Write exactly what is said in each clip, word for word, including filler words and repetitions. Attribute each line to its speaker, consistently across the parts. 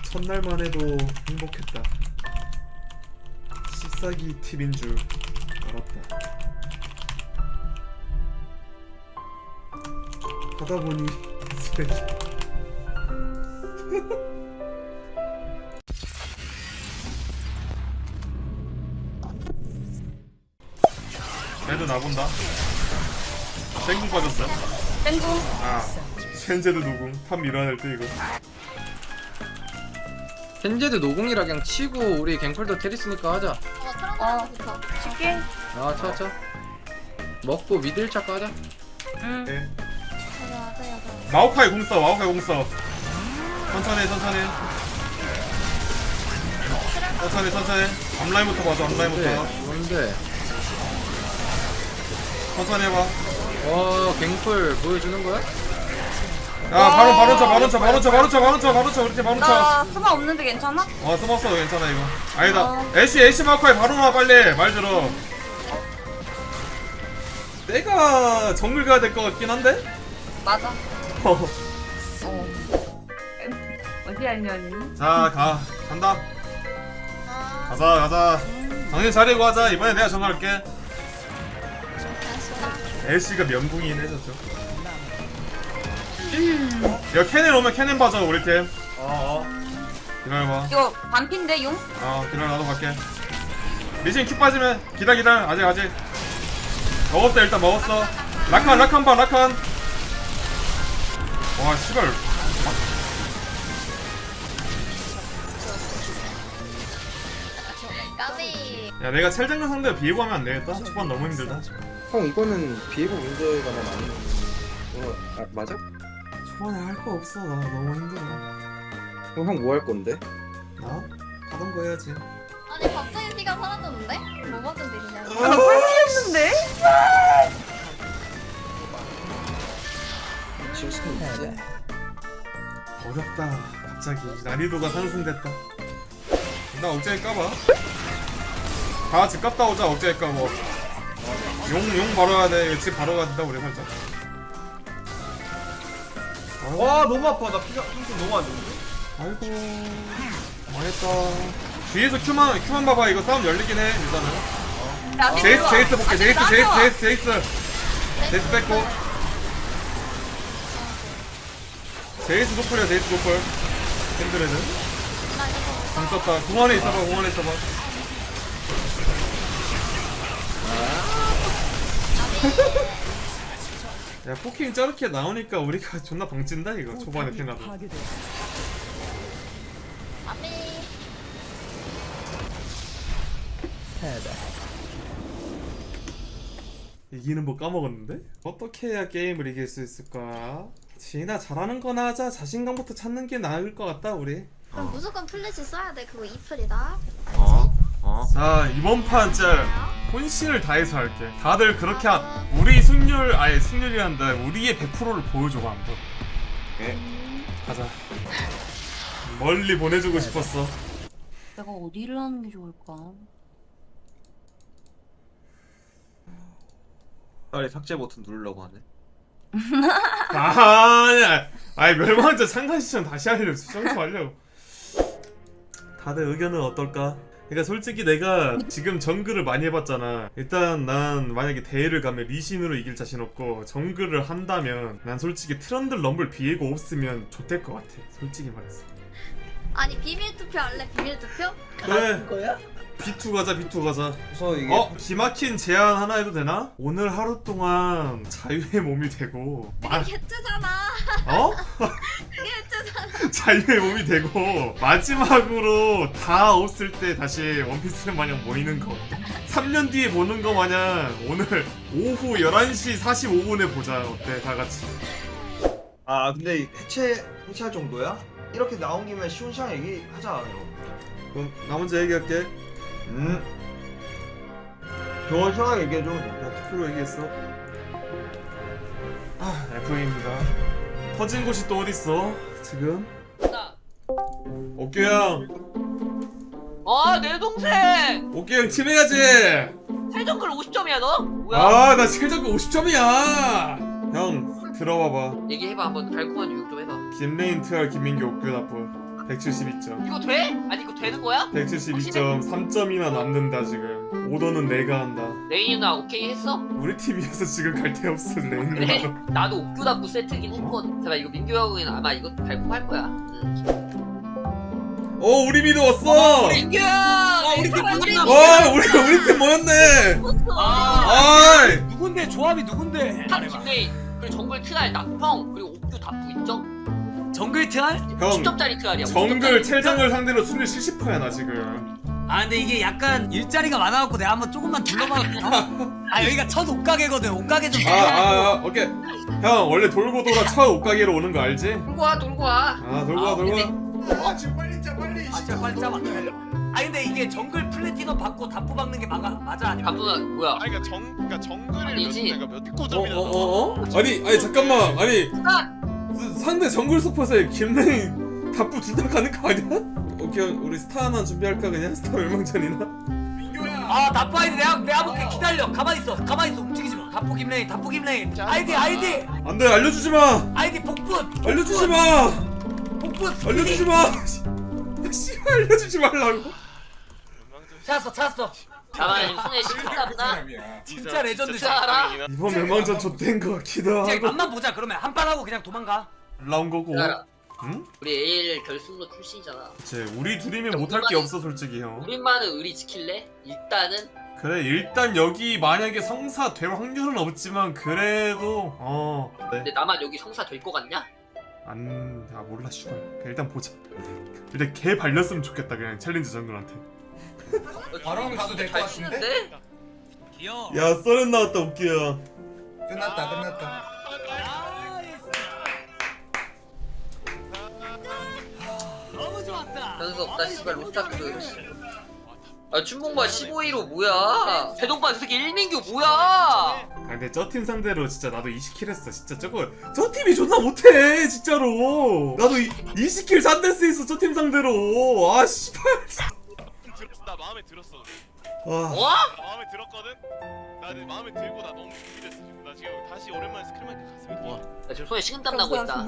Speaker 1: 첫날만 해도 행복했다. 씹사기 팁인 줄 알았다. 하다보니 쓰레기. 쟤도 나본다. 땡궁 빠졌어.
Speaker 2: 땡궁.
Speaker 1: 아, 쉔제드 노궁. 탑 밀어낼 때 이거.
Speaker 3: 켄제드 노궁이라 그냥 치고 우리 갱플도 테리스니까 하자.
Speaker 4: 어, 트런드 좋다.
Speaker 2: 쉽게.
Speaker 3: 아 쳐쳐. 먹고 미드 일 차 까자.
Speaker 2: 응.
Speaker 1: 네.
Speaker 4: 맞아, 맞아, 맞아.
Speaker 1: 마오카이 공 써. 마오카이 공 써. 천천히 천천히. 천천히 천천히. 앞라인부터 봐줘. 앞라인부터.
Speaker 3: 뭔데?
Speaker 1: 천천히 해봐.
Speaker 3: 어 갱플 보여주는 거야?
Speaker 1: 야 바로 바로 쳐 바로 쳐 바로 쳐 바로 쳐 바로 쳐 바로 쳐 그렇지 바로 쳐.
Speaker 2: 나 수마 없는데 괜찮아?
Speaker 1: 어 스먹었어 괜찮아 이거. 아니다.
Speaker 2: 어.
Speaker 1: 애쉬 애쉬 마오카이 바로 나 빨리 말 들어. 내가 정글 가야 될 것 같긴 한데.
Speaker 2: 맞아.
Speaker 1: 어.
Speaker 2: 어. 어디 알려니?
Speaker 1: 자 가. 간다.
Speaker 4: 아,
Speaker 1: 가자 가자. 당신 자리고 하자. 이번에 내가 정할게.
Speaker 4: 다시다.
Speaker 1: 애쉬가 면붕이긴 해졌죠. 야 캐넨 오면 캐넨 봐줘 우리 팀. 어어. 기다려봐.
Speaker 2: 이거 반핀데 용?
Speaker 1: 어 기다려 나도 갈게. 미신 큐 빠지면 기다 기다. 아직 아직. 먹었어 일단 먹었어. 라칸 라칸 봐 라칸. 와 씨발.
Speaker 4: 까비.
Speaker 1: 야 내가 첼장군 상대로 비에고 하면 안 되겠다. 초반 너무 힘들다.
Speaker 3: 형 이거는 비에고 문제가 나 많이. 어 아, 맞아?
Speaker 1: 초반에 할 거 없어. 나 너무 힘들어.
Speaker 3: 그럼 형 뭐 할 건데?
Speaker 1: 나? 하던 거 해야지.
Speaker 4: 아니, 갑자기 피가 사라졌는데? 뭐 맞은 일이냐고.
Speaker 2: 나 꿀피했는데?
Speaker 3: 지금
Speaker 1: 어렵다. 갑자기 난이도가 상승됐다. 나 억제기 까봐. 다 같이 깠다 오자. 억제기 까고. 용, 용 바로 가야 돼. 집 바로 가야 된다 우리 살짝. 아이고,
Speaker 5: 와 너무 아파. 나 피가 상태 너무 안 좋은데?
Speaker 1: 아이고 망했다. 뒤에서 큐만 큐만 봐봐. 이거 싸움 열리긴 해 일단은.
Speaker 2: 야,
Speaker 1: 제이스 제이스 볼게.
Speaker 2: 아니,
Speaker 1: 제이스
Speaker 2: 나도
Speaker 1: 제이스
Speaker 2: 와.
Speaker 1: 제이스 제이스 제이스 뺐고. 제이스 노플이야. 제이스 노플. 핸드레드
Speaker 4: 나 이거
Speaker 1: 공 썼다. 공 안에 있어봐. 공 안에 있어봐. 야 포킹 저렇게 나오니까 우리가 존나 방찐다 이거. 초반에 피나도.
Speaker 4: 까비.
Speaker 1: 이기는 법 까먹었는데? 어떻게 해야 게임을 이길 수 있을까? 지나 잘하는 거나 하자. 자신감부터 찾는 게 나을 것 같다 우리.
Speaker 4: 그럼 무조건 플래시 써야 돼. 그거 이플이다.
Speaker 5: 어? 어?
Speaker 1: 자 이번 판 진짜 혼신을 다해서 할게. 다들 그렇게 하... 우리 승률 아예 승률이란다. 우리의 백 퍼센트를 보여줘봐 한번.
Speaker 5: 예.
Speaker 1: 가자. 멀리 보내주고 싶었어.
Speaker 2: 내가 어디를 하는 게 좋을까?
Speaker 5: 빨리 삭제 버튼 누르려고 하네.
Speaker 1: 아니야. 아니 멸망자 창간 시청 다시 하려고 수정하려고. 다들 의견은 어떨까? 그러니까 솔직히 내가 지금 정글을 많이 해봤잖아. 일단 난 만약에 대회를 가면 리신으로 이길 자신 없고, 정글을 한다면 난 솔직히 트런들 럼블 비에고 없으면 좋될 것 같아. 솔직히 말해서.
Speaker 4: 아니, 비밀 투표 할래? 비밀 투표?
Speaker 1: 그래.
Speaker 5: 거야?
Speaker 1: 비투 가자. 비투 가자.
Speaker 5: 그래서 이게
Speaker 1: 어? 기막힌 제안 하나 해도 되나? 오늘 하루 동안 자유의 몸이 되고 마...
Speaker 4: 이게 개뜨잖아.
Speaker 1: 어?
Speaker 4: 이게 개뜨잖아.
Speaker 1: 자유의 몸이 되고 마지막으로 다 없을 때 다시 원피스 마냥 모이는 거. 삼 년 뒤에 보는 거 마냥 오늘 오후 열한 시 사십오 분에 보자. 어때? 다 같이.
Speaker 5: 아 근데 해체 해체할 정도야? 이렇게 나온 김에 쉬운 시간 얘기하자 이거.
Speaker 1: 그럼 나 먼저 얘기할게.
Speaker 5: 음. 좋은 시간 얘기해줘.
Speaker 1: 나 투표로 얘기했어. 아, 에프입니다. 터진 곳이 또 어딨어? 지금?
Speaker 6: 나.
Speaker 1: 옥규 형!
Speaker 6: 아, 내 동생!
Speaker 1: 옥규 형 팀해야지!
Speaker 6: 최저글 오십 점이야, 너? 뭐야?
Speaker 1: 아, 나 최저가 오십 점이야! 형, 들어봐봐.
Speaker 6: 얘기해봐, 한번 달콤한 유혹 좀 해봐.
Speaker 1: 김레인, 트알, 김민규, 옥규, 나프. 백칠십이 점.
Speaker 6: 이거 돼? 아니 이거 되는 거야?
Speaker 1: 백칠십이 점 삼 점이나 남는다 지금. 오더는 내가 한다.
Speaker 6: 레인 누나 오케이 했어?
Speaker 1: 우리 팀이어서 지금 갈 데 없어 레인
Speaker 6: 그래?
Speaker 1: 누나도.
Speaker 6: 나도 옥교답구 세트긴 했거든. 제발 이거 민규 형은 아마 이거 달콤할 거야. 응.
Speaker 1: 어 우리 미드 왔어.
Speaker 6: 민규 형! 아
Speaker 7: 우리 팀 모였나?
Speaker 1: 와 우리 우리 팀 모였네.
Speaker 7: 아,
Speaker 1: 아이.
Speaker 7: 누군데 조합이 누군데?
Speaker 6: 탑 김레인 그리고 정글 트알 낙펑 그리고 옥교 답구 있죠?
Speaker 7: 정글 트알?
Speaker 1: 형
Speaker 6: 십 점짜리 트알이야.
Speaker 1: 정글 첼정글 상대로 순위 칠십 퍼센트야 나 지금.
Speaker 7: 아 근데 이게 약간 일자리가 많아갖고 내가 한번 조금만 둘러봤거든. 아 여기가 첫 옷가게거든. 옷가게 좀.
Speaker 1: 아, 아, 아 오케이. 형 원래 돌고 돌아 첫 옷가게로 오는 거 알지?
Speaker 6: 돌고 와 돌고 와.
Speaker 1: 아 돌고 와 돌고 와.
Speaker 7: 아 진짜 빨리 짜봐. 아 근데 이게 정글 플래티넘 받고 다프 박는 게 맞아 맞아 아니면?
Speaker 6: 답구는 뭐야?
Speaker 8: 아니 그러니까 정 그러니까 정글을
Speaker 6: 아니지.
Speaker 8: 몇, 내가 몇
Speaker 1: 어,
Speaker 8: 점이나
Speaker 1: 어, 어, 어? 아니, 아니 잠깐만, 아니 스- 상대 정글 서폿에 김레인 답부 둘 다 가는 거 아니야? 오케이, 우리 스타 하나 준비할까 그냥 스타 멸망전이나?
Speaker 7: 아 다프 아이디 내가 내가 볼게. 기다려. 가만히 있어. 가만히 있어. 움직이지 마. 다프 김레인. 다프 김레인. 아이디 아이디
Speaker 1: 안돼, 알려주지 마,
Speaker 7: 아이디 복분.
Speaker 1: 알려주지 마,
Speaker 7: 복분.
Speaker 1: 알려주지 마. 씨, 알려주지 말라고.
Speaker 7: 찾았어 찾았어.
Speaker 6: 나만 손에 시켰구나.
Speaker 7: 진짜 레전드.
Speaker 6: 진짜 알아?
Speaker 1: 이번 멸망전 좆된 거 같기도
Speaker 7: 이제
Speaker 1: 하고.
Speaker 7: 맛만 보자. 그러면 한 판 하고 그냥 도망가.
Speaker 1: 나온 거고.
Speaker 6: 알아.
Speaker 1: 응?
Speaker 6: 우리 에이엘 결승로 출신이잖아.
Speaker 1: 그치, 우리 둘이면 못할 게 없어 솔직히 형.
Speaker 6: 우리만은 의리 지킬래? 일단은
Speaker 1: 그래, 일단 여기 만약에 성사 될 확률은 없지만 그래도 어. 네.
Speaker 6: 근데 나만 여기 성사 될 것 같냐?
Speaker 1: 안, 아 몰라 슈발. 일단 보자. 일단 개 발렸으면 좋겠다 그냥 챌린지 정글한테.
Speaker 9: 바로 가도 될 것 같은데?
Speaker 7: 귀여워.
Speaker 1: 야 썰은 나왔다 웃겨.
Speaker 9: 끝났다 끝났다.
Speaker 7: 너무 좋았다.
Speaker 6: 변수 없다 씨발 로스타크. 아 춘봉바 십오 위로 뭐야? 대동반 새끼 일민규 뭐야?
Speaker 1: 아 근데 저 팀 상대로 진짜 나도 이십 킬 했어. 진짜 저거 저 팀이 존나 못해 진짜로. 나도 이, 이십 킬 산데스 있어 저 팀 상대로. 아 씨발.
Speaker 8: 들었어. 나 마음에 들었어.
Speaker 1: 와.
Speaker 6: 어?
Speaker 8: 나 마음에 들었거든. 나 내 마음에 들고 나 너무 준비됐어 지금. 나 지금 다시 오랜만에 스크림한테 가슴이 뛰어.
Speaker 6: 나 지금 손에 식은땀 나고 있다.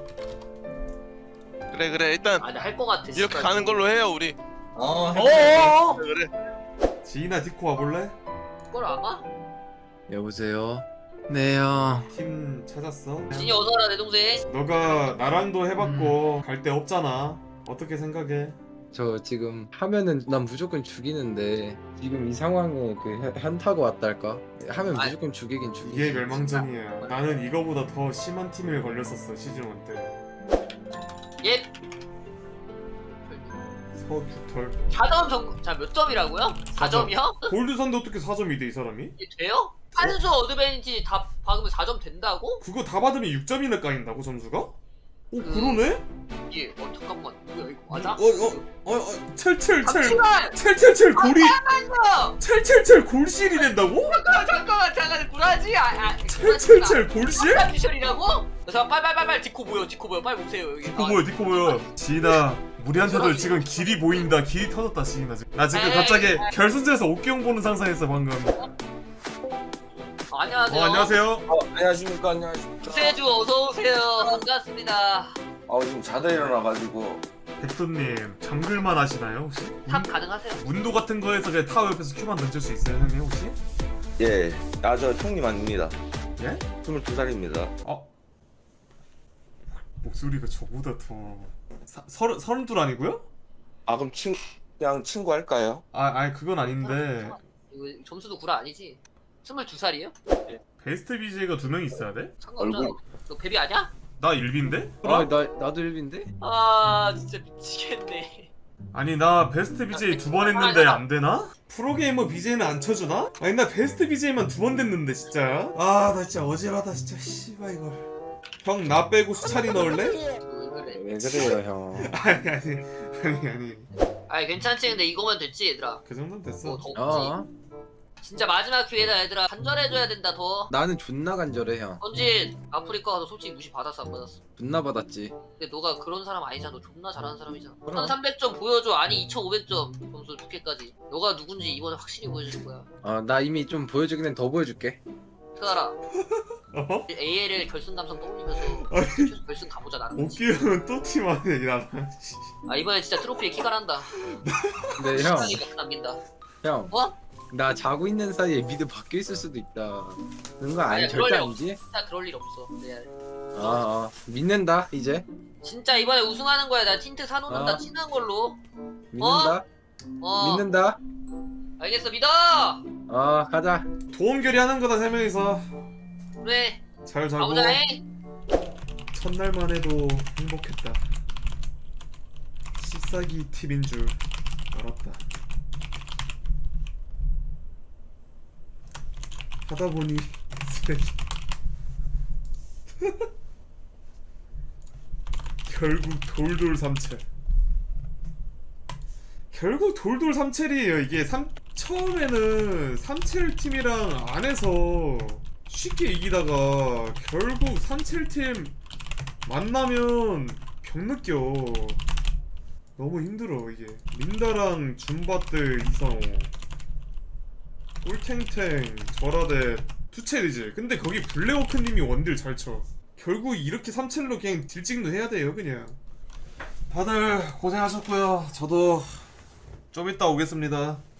Speaker 8: 그래 그래 일단
Speaker 6: 아, 나 할 것 같아.
Speaker 8: 이렇게
Speaker 6: 씨발.
Speaker 8: 가는 걸로 해요 우리.
Speaker 9: 어.
Speaker 7: 어어어.
Speaker 8: 그래.
Speaker 1: 지인아 디코 와볼래?
Speaker 6: 그걸 알아?
Speaker 3: 여보세요. 네 형.
Speaker 1: 팀 찾았어.
Speaker 6: 진이 어서 와라 내 동생.
Speaker 1: 너가 나랑도 해봤고 갈 데 없잖아. 어떻게 생각해?
Speaker 3: 저 지금 하면은 난 무조건 죽이는데 지금 이 상황에 그 현- 현타가 왔달까? 하면
Speaker 6: 아이.
Speaker 3: 무조건 죽이긴 죽이지.
Speaker 1: 이게 멸망전이야. 나는 이거보다 더 심한 팀에 걸렸었어 시즌 일 때.
Speaker 6: 예.
Speaker 1: 서규털.
Speaker 6: 사 점 정. 자몇 점이라고요? 사 점이요?
Speaker 1: 골드 산데 어떻게 사 점이 돼 이 사람이?
Speaker 6: 이게 돼요? 한수 어드밴티지 다 박으면 사 점 된다고?
Speaker 1: 그거 다 받으면 육 점이나 까인다고 점수가? 오 그러네?
Speaker 6: 이게 어 잠깐만 뭐야 이거 맞아?
Speaker 1: 어어어어 첼첼첼
Speaker 6: 잠시만!
Speaker 1: 첼첼첼 골이
Speaker 6: 잠깐만요!
Speaker 1: 첼첼첼 골실이 된다고?
Speaker 6: 잠깐만 잠깐만 잠깐 구라지? 아, 아
Speaker 1: 첼첼첼 골실?
Speaker 6: 미션이라고? 자 빨빨빨빨 디코 모여 디코 모여 빨리 오세요 여기.
Speaker 1: 디코 뭐야 디코 뭐야 지인아 우리한테도 지금 길이 보인다. 길이 터졌다 지인아 지금. 나 지금
Speaker 6: 에이,
Speaker 1: 갑자기
Speaker 6: 에이.
Speaker 1: 결승전에서 옥기용 보는 상상했어 방금.
Speaker 6: 어, 안녕하세요.
Speaker 1: 어 안녕하세요.
Speaker 3: 어, 안녕하십니까 안녕하십니까.
Speaker 6: 구세주 어서 오세요. 반갑습니다.
Speaker 3: 아 지금 자다 일어나가지고.
Speaker 1: 백도님 정글만 하시나요 혹시?
Speaker 6: 탑 가능하세요?
Speaker 1: 문도 같은 거에서 그냥 타워 옆에서 큐만 던질 수 있어요 형님 혹시?
Speaker 10: 예, 아 저 형님 아닙니다.
Speaker 1: 예?
Speaker 10: 스물두 살입니다.
Speaker 1: 어? 목소리가 저보다 더 사, 서른 서른 둘 아니고요?
Speaker 10: 아 그럼 친 그냥 친구 할까요?
Speaker 1: 아 아니 그건 아닌데
Speaker 6: 이거 점수도 구라 아니지? 스물두 살이에요?
Speaker 1: 베스트 비제이가 두 명 있어야 돼?
Speaker 6: 상관없잖아.
Speaker 10: 얼굴.
Speaker 6: 너 베비 아니야?
Speaker 1: 나 일비인데?
Speaker 3: 아 나 나도 일빈데?
Speaker 6: 아 진짜 미치겠네.
Speaker 1: 아니 나 베스트 비제이 두 번 했는데 안 되나? 프로게이머 비제이는 안 쳐주나? 아니 나 베스트 비제이만 두 번 됐는데 진짜. 아 나 진짜 어지러다 진짜 씨발 이걸. 형 나 빼고 수찬이 넣을래?
Speaker 6: 왜 그래?
Speaker 3: 왜 그래요 형?
Speaker 1: 아니 아니 아니 아니
Speaker 6: 아니 괜찮지 근데 이거면 됐지 얘들아.
Speaker 1: 그 정도는 됐어.
Speaker 6: 뭐더 없지?
Speaker 3: 어.
Speaker 6: 진짜 마지막 기회다 얘들아. 간절해줘야 된다 더.
Speaker 3: 나는 존나 간절해 형.
Speaker 6: 전진 아프리카 가서 솔직히 무시 받았어 안 받았어?
Speaker 3: 존나 받았지.
Speaker 6: 근데 너가 그런 사람 아니잖아. 너 존나 잘하는 사람이잖아.
Speaker 3: 그럼.
Speaker 6: 천삼백 점 보여줘. 아니 이천오백 점 점수 좋게까지. 너가 누군지 이번에 확실히 보여주는 거야.
Speaker 3: 어 나 이미 좀 보여주긴 해. 더 보여줄게.
Speaker 6: 태달아
Speaker 1: 어?
Speaker 6: 에이엘엘 결승 감성 떠올리면서
Speaker 1: 아니.
Speaker 6: 최소 결승 가보자 나는.
Speaker 1: 오키 형은 또 팀하네 나랑.
Speaker 6: 아 이번엔 진짜 트로피에 키가 난다.
Speaker 3: 근데 형,
Speaker 6: 시간이 막 남긴다.
Speaker 3: 형,
Speaker 6: 어?
Speaker 3: 나 자고 있는 사이에 미드 바뀌어 있을 수도 있다. 그런 거 아니
Speaker 6: 아니야,
Speaker 3: 절대
Speaker 6: 그럴 리
Speaker 3: 아니지?
Speaker 6: 진짜 그럴 일 없어. 레알.
Speaker 3: 아, 아 믿는다 이제.
Speaker 6: 진짜 이번에 우승하는 거야. 나 틴트 사놓는다.
Speaker 3: 아.
Speaker 6: 친한 걸로.
Speaker 3: 믿는다.
Speaker 6: 어.
Speaker 3: 믿는다.
Speaker 6: 알겠어 믿어.
Speaker 3: 어 가자.
Speaker 1: 도움결이 하는 거다 세 명이서.
Speaker 6: 그래.
Speaker 1: 잘 자고.
Speaker 6: 가보자 해.
Speaker 1: 첫날만 해도 행복했다. 씹사기 팁인 줄 알았다. 하다 보니 쓰레기. 결국 돌돌 삼첼. 결국 돌돌 삼첼이에요. 이게 삼 처음에는 삼첼 팀이랑 안에서 쉽게 이기다가 결국 삼첼 팀 만나면 병 느껴. 너무 힘들어 이게. 린다랑 줌바트 이상호, 꿀탱탱, 저라데, 투첼이지. 근데 거기 블랙워크님이 원딜 잘 쳐. 결국 이렇게 삼첼로 그냥 딜찍도 해야 돼요 그냥. 다들 고생하셨고요. 저도 좀 이따 오겠습니다.